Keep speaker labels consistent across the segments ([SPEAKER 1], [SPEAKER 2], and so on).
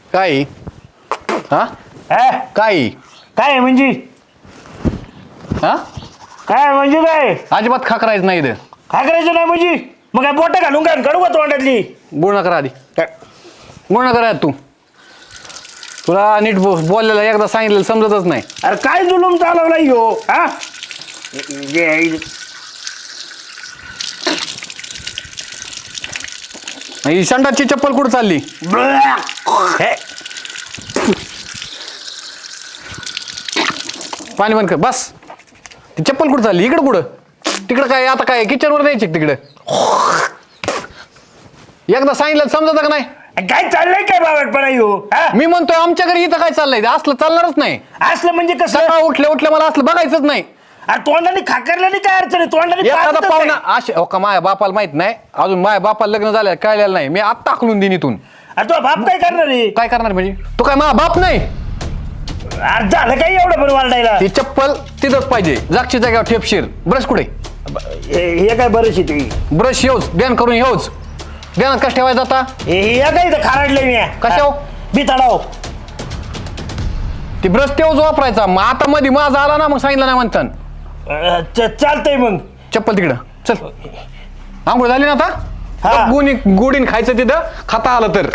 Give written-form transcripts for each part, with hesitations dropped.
[SPEAKER 1] काय हा
[SPEAKER 2] हा?
[SPEAKER 1] काय
[SPEAKER 2] काय म्हणजे
[SPEAKER 1] हा
[SPEAKER 2] काय म्हणजे काय
[SPEAKER 1] अजिबात खा करायचं नाही इथं.
[SPEAKER 2] काय करायचं नाही म्हणजे मग काय बोट घालून काय काढू का तोंडातली
[SPEAKER 1] बोल नका आधी बोल नका रे तू तुला नीट बोललेलं एकदा सांगितलेलं समजतच नाही.
[SPEAKER 2] अरे काय जुलूम चालवला यो हा
[SPEAKER 1] ही संडासची चप्पल कुठं चालली?
[SPEAKER 2] हे,
[SPEAKER 1] पाणी बंद कर बस. ती चप्पल कुठं चालली? इकडं कुठं? तिकडं काय आता काय किचनवर द्यायची तिकडं? एकदा सांगितलं समजत का नाही?
[SPEAKER 2] काय चाललंय काय बावटपणा यो हा?
[SPEAKER 1] मी म्हणतोय आमच्या घरी इथं काय चाललंय असलं चालणारच नाही.
[SPEAKER 2] असलं म्हणजे कसं
[SPEAKER 1] सकाळ उठल्या मला असलं बघायचंच नाही.
[SPEAKER 2] अरे तोंडाने खाकरल्याने काय अडचण आहे तोंडाने
[SPEAKER 1] एखादा
[SPEAKER 2] पाजतच
[SPEAKER 1] पाहुणा
[SPEAKER 2] नाही.
[SPEAKER 1] असे हो का माझ्या बापाला माहित नाही अजून माझ्या बापाला लग्न झालं कळलेलं नाही. मी आत्ता टाकलून देईन इथून.
[SPEAKER 2] अरे तो बाप काय करणार आहे
[SPEAKER 1] काय करणार म्हणजे तू काय माझा बाप नाही?
[SPEAKER 2] अरे झालं काय एवढं पण वारडायला
[SPEAKER 1] ती चप्पल तिथंच पाहिजे जागची जागेवर ठेपशीर. ब्रश कुठे?
[SPEAKER 2] हे काय बरंच आहे तुम्ही
[SPEAKER 1] ब्रश येऊच ध्यान करून येऊच ध्यानात कसं ठेवायचं आता?
[SPEAKER 2] हे काय इथं खाराडलंय मी
[SPEAKER 1] कशावर?
[SPEAKER 2] बिताडाव
[SPEAKER 1] ती ब्रश तेवच वापरायचा. मग आता मध्ये माझा आला ना मग सांगितलं नाही म्हणतात.
[SPEAKER 2] चालतंय मग
[SPEAKER 1] चप्पल तिकडं चल. आंघोळ झाली ना
[SPEAKER 2] हा.
[SPEAKER 1] आता? गुडीन खायचं तिथं खाता आलं तर.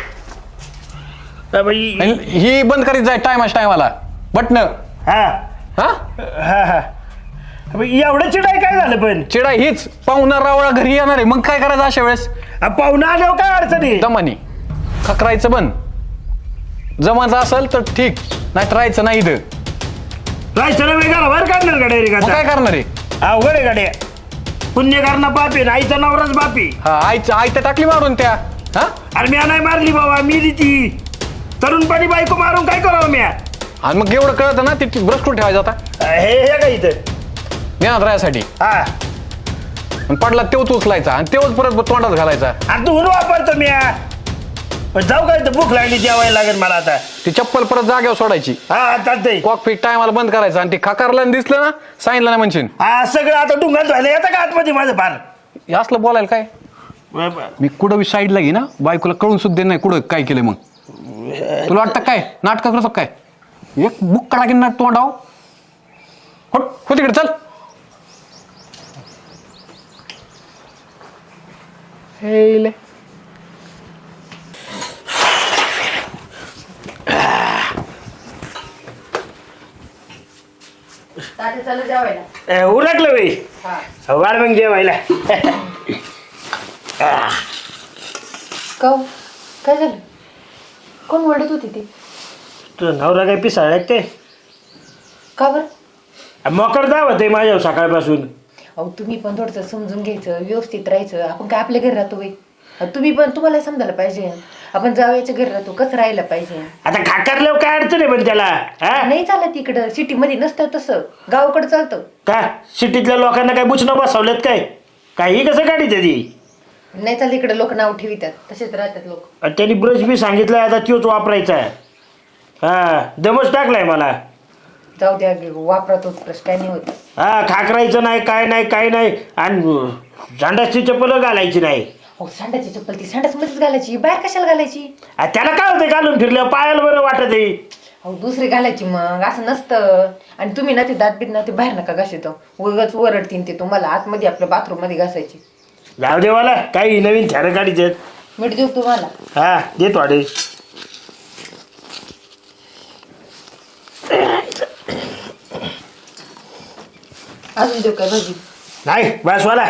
[SPEAKER 1] आणि ही बंद करीत जाय टायमाला बटन.
[SPEAKER 2] हा
[SPEAKER 1] हा
[SPEAKER 2] हा हा एवढं चिडाय काय झालं पण
[SPEAKER 1] चिडा हीच पाहुणा रावळा घरी येणार आहे मग काय करायचं अशा वेळेस?
[SPEAKER 2] पाहुणा आल्यावर काय अडचण आहे
[SPEAKER 1] दमानी खकरायचं बंद. जमायचं असेल तर ठीक नाही तर राहायचं नाही इथं.
[SPEAKER 2] रायचं वेगळा बाहेर काढणार गाड्या रे
[SPEAKER 1] मग काय करणार आहे?
[SPEAKER 2] अवघड आहे गाड्या पुण्य करणं बापी आईचा नवराच बापी.
[SPEAKER 1] हा आई तर टाकली मारून त्या. हा
[SPEAKER 2] अरे मी नाही मारली बाबा मी ती तरुणपणी बायको मारून काय करावं मी
[SPEAKER 1] आणि मग एवढं कळतं ना ती ब्रश कुठे ठेवायचं आता?
[SPEAKER 2] हे काय इथं
[SPEAKER 1] ज्ञानात राहायसाठी.
[SPEAKER 2] हा
[SPEAKER 1] आणि पडला तेवच उचलायचा आणि तेवच परत तोंडात घालायचा.
[SPEAKER 2] आणि तू वापरतो मी जाऊ काय भूक लागली जेवायला लागेल मला आता.
[SPEAKER 1] ती चप्पल परत जागेवर सोडायची.
[SPEAKER 2] हा चालतंय
[SPEAKER 1] कॉकपीट टायमाला बंद करायचं आणि ती खाकारला दिसलं ना सांगितलं ना म्हणशील.
[SPEAKER 2] हा सगळं आता डुंगात झालं येतं का आतमध्ये माझं फार
[SPEAKER 1] हे असलं बोलायला काय? मी कुठं साईडला घे ना बायकोला कळून सुद्धा नाही कुठं काय केलं. मग तुला वाटतं काय नाटक करतो काय? एक बुक काढा की नाट तोंडाव हो तिकडे चल. हे
[SPEAKER 2] उरकलं बाई वाढ मग जेवायला.
[SPEAKER 3] काय झालं? कोण ओरडत होती ती?
[SPEAKER 2] तुझं नवरा काय पिसाळ ते
[SPEAKER 3] का बरं?
[SPEAKER 2] मकर दावत आहे माझ्या सकाळपासून.
[SPEAKER 3] अहो तुम्ही पण थोडंसं समजून घ्यायचं व्यवस्थित राहायचं. आपण काय आपल्या घरी राहतो बाई? तुम्ही पण तुम्हाला समजायला पाहिजे आपण जावयाच्या घरी राहतो कसं राहायला पाहिजे.
[SPEAKER 2] आता खाकारल्यावर काय अडचण आहे पण त्याला
[SPEAKER 3] नाही चालत इकडं सिटीमध्ये नसतं तसं गावाकडे चालतं
[SPEAKER 2] का सिटीतल्या लोकांना काय बुचणं बसवलेत काय काही कसं काढी ती
[SPEAKER 3] नाही चालत इकडे लोक नाव ठेवितात तसेच राहतात लोक.
[SPEAKER 2] त्यांनी ब्रश बी सांगितलाय आता तोच वापरायचा आहे. हा दमच टाकलाय मला.
[SPEAKER 3] जाऊ द्या वापरा तोच प्रश्न काय नाही होत.
[SPEAKER 2] हा खाकरायचं नाही काय नाही आणि झांडाची चप्पल घालायची नाही.
[SPEAKER 3] हो सांडाची चप्पल ती सांडाचमध्येच घालायची बाहेर कशाला घालायची?
[SPEAKER 2] त्याला काय होतं घालून फिरल्यावर पायाला बरं वाटत आहे.
[SPEAKER 3] अहो दुसरी घालायची मग असं नसतं. आणि तुम्ही ना ते दात बीत ना ते बाहेर नका घासायचं उगाच ओरडतीन ते तुम्हाला आतमध्ये आपल्या बाथरूम मध्ये घासायची.
[SPEAKER 2] जाऊ दे मला काही नवीन थॅर काढीचे
[SPEAKER 3] मीठ देऊ तुम्हाला?
[SPEAKER 2] हा देतो वाडे.
[SPEAKER 3] अजून देऊ काय भाजी?
[SPEAKER 2] नाही बस वाला.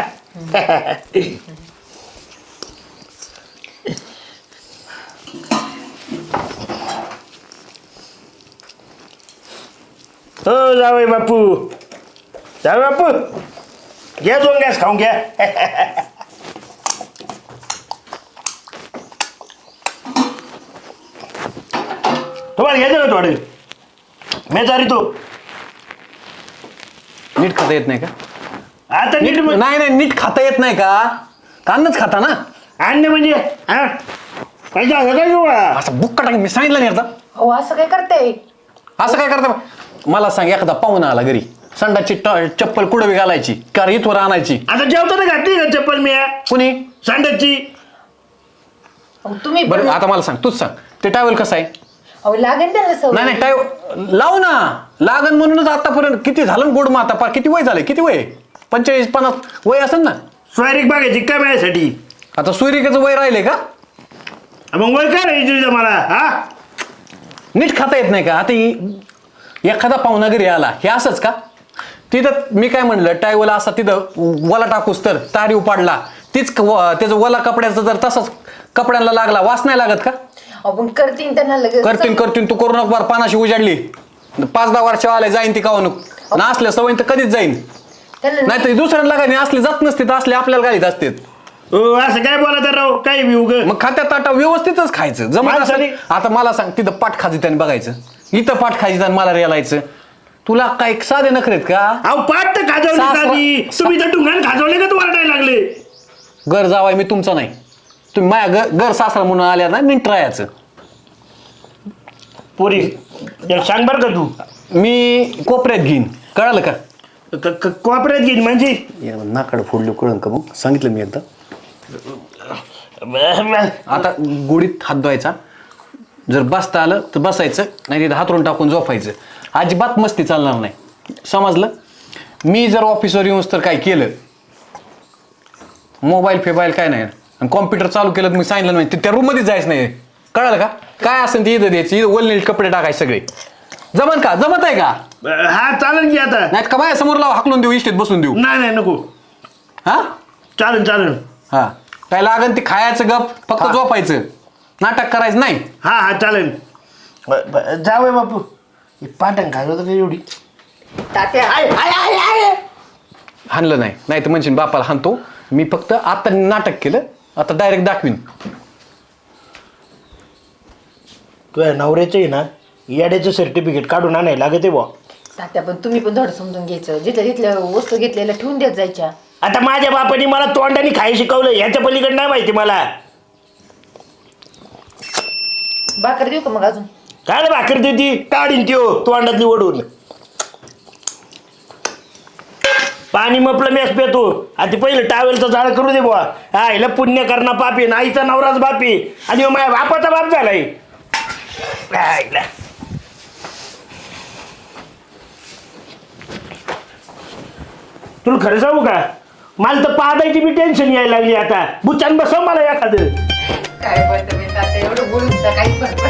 [SPEAKER 2] हो जावई बापू घ्या 2 गॅस खाऊन घ्या. तुम्हाला घ्यायचं का थोडे मी चारी तो
[SPEAKER 1] नीट खाता येत नाही का?
[SPEAKER 2] आता नीट
[SPEAKER 1] नाही नीट खाता येत नाही का? कांदाच खाता ना?
[SPEAKER 2] आणणे म्हणजे हा काय झालं काय गोळा
[SPEAKER 1] असं बुक काढा मी सांगितलं नाही आता.
[SPEAKER 3] हो असं काय करते?
[SPEAKER 1] असं काय करता? मला सांग एखादा पाहुणा आला घरी संडाची चप्पल कुठं बी घालायची का इथवर आणायची?
[SPEAKER 2] आता जेवताना घातली का चप्पल मी
[SPEAKER 1] कुणी?
[SPEAKER 2] सांडाची.
[SPEAKER 3] तुम्ही
[SPEAKER 1] बरं आता मला सांग तूच सांग ते टॅवेल कसं आहे?
[SPEAKER 3] अहो लागेल त्याला
[SPEAKER 1] नाही
[SPEAKER 3] सवय.
[SPEAKER 1] नाही टाय लाव ना, लागन म्हणूनच आतापर्यंत किती झालं गोड मग आता पार किती वय झालंय, किती वय 45-50 वय असेल ना.
[SPEAKER 2] स्वारीक बघायची काय माझ्यासाठी?
[SPEAKER 1] आता सूर्यकाचं वय राहिले का?
[SPEAKER 2] मग वय काय राहायची तुझं मला? हा
[SPEAKER 1] नीट खाता येत नाही का? आता एखादा पाहुणा घरी आला हे असंच का? तिथं मी काय म्हणलं टायवला असा तिथं वला टाकूस तर तारी उपाडला तीच त्याचं वला कपड्याचं जर तसंच कपड्यांना लागला वास नाही लागत का?
[SPEAKER 3] आपण करतीन त्यांना लगेच
[SPEAKER 1] करतीन तू करू नको बार पानाशी उजाडली 5-10 वर्ष आले जाईन ती कावून ना असल्या सवय तर कधीच जाईन. नाही तर दुसऱ्यांना काय असले जात नसते तर असले आपल्याला घालीत असते.
[SPEAKER 2] असं काय बोला राव काय बी उग.
[SPEAKER 1] मग खात्यात ताटा व्यवस्थितच खायचं जमत असेल.
[SPEAKER 2] माणसाने-
[SPEAKER 1] आता मला सांग तिथं पाठ खाजी त्याने बघायचं, इथं पाठ खाजी त्याने मला रेलायचं. तुला काय साधे नखरेत का?
[SPEAKER 2] अहो पाठ तर खाजवली तुम्ही तर टुंगान खाजवले का तुम्हाला नाही लागले?
[SPEAKER 1] घर जावाय मी तुमचा नाही, तुम्ही माझ्या घर सासरा म्हणून आल्या ना नीट राहायचं.
[SPEAKER 2] पोरी सांग बर का तू.
[SPEAKER 1] मी कोपऱ्यात घेईन कळालं का?
[SPEAKER 2] कोपऱ्यात घेईन म्हणजे
[SPEAKER 1] नाकाड फोडलं कळलं का? मग सांगितलं मी एकदा. आता गोडीत हात धुवायचा, जर बसता आलं तर बसायचं, नाही तिथं हातरून टाकून झोपायचं. अजिबात मस्ती चालणार नाही, समजलं? मी जर ऑफिसवर येऊन तर काय केलं, मोबाईल फेबाईल काय नाही, आणि कॉम्प्युटर चालू केलं तर मी सांगितलं नाही त्या रूममध्ये जायचं नाही, कळालं का? काय असेल ते इथं द्यायचं, इथं वलनील कपडे टाकायचे सगळे. जमन का? जमत आहे का?
[SPEAKER 2] हा चालेल की आता.
[SPEAKER 1] नाही का बाय समोर लावा, हाकलून देऊ, इष्टीत बसून देऊ.
[SPEAKER 2] नाही नको.
[SPEAKER 1] हा
[SPEAKER 2] चालेल.
[SPEAKER 1] हा काय लागन ते खायचं, गप फक्त झोपायचं, नाटक करायचं नाही.
[SPEAKER 2] हा चालेल. जाऊया बापू. पाटण खाजवत एवढी
[SPEAKER 3] तात्या
[SPEAKER 1] हाणलं नाही तर म्हणशील बापाला हाणतो. मी फक्त आता नाटक केलं, आता डायरेक्ट दाखवीन.
[SPEAKER 2] तुझ्या नवऱ्याचं आहे ना याड्याचं सर्टिफिकेट काढून आणायला लागते बुवा.
[SPEAKER 3] तात्या पण तुम्ही पण थोडं समजून घ्यायचं, जिथल्या वस्तू घेतलेल्या ठेवून देत जायच्या.
[SPEAKER 2] आता माझ्या बापाने मला तोंडाने खाय शिकवलं, ह्याच्या पलीकडे नाही माहिती मला.
[SPEAKER 3] भाकर देऊ का मग अजून?
[SPEAKER 2] काय भाकर देती काढीन त्यो तोंडातली ओढून. पाणी मपलं मेस पेतो. आता पहिलं टावेलचं झाड करू दे बुवा. हा हिला पुण्य करणं पापी, आईचा नवराच बापी आणि माझ्या बापाचा बाप झालाय. तुला खरं सांगू का, मला तर पादायची बी टेन्शन यायला लागली आता. बुचान बसव मला एखादं.
[SPEAKER 3] काय बोलतो मी तात्या, एवढं बोलून काहीच फरक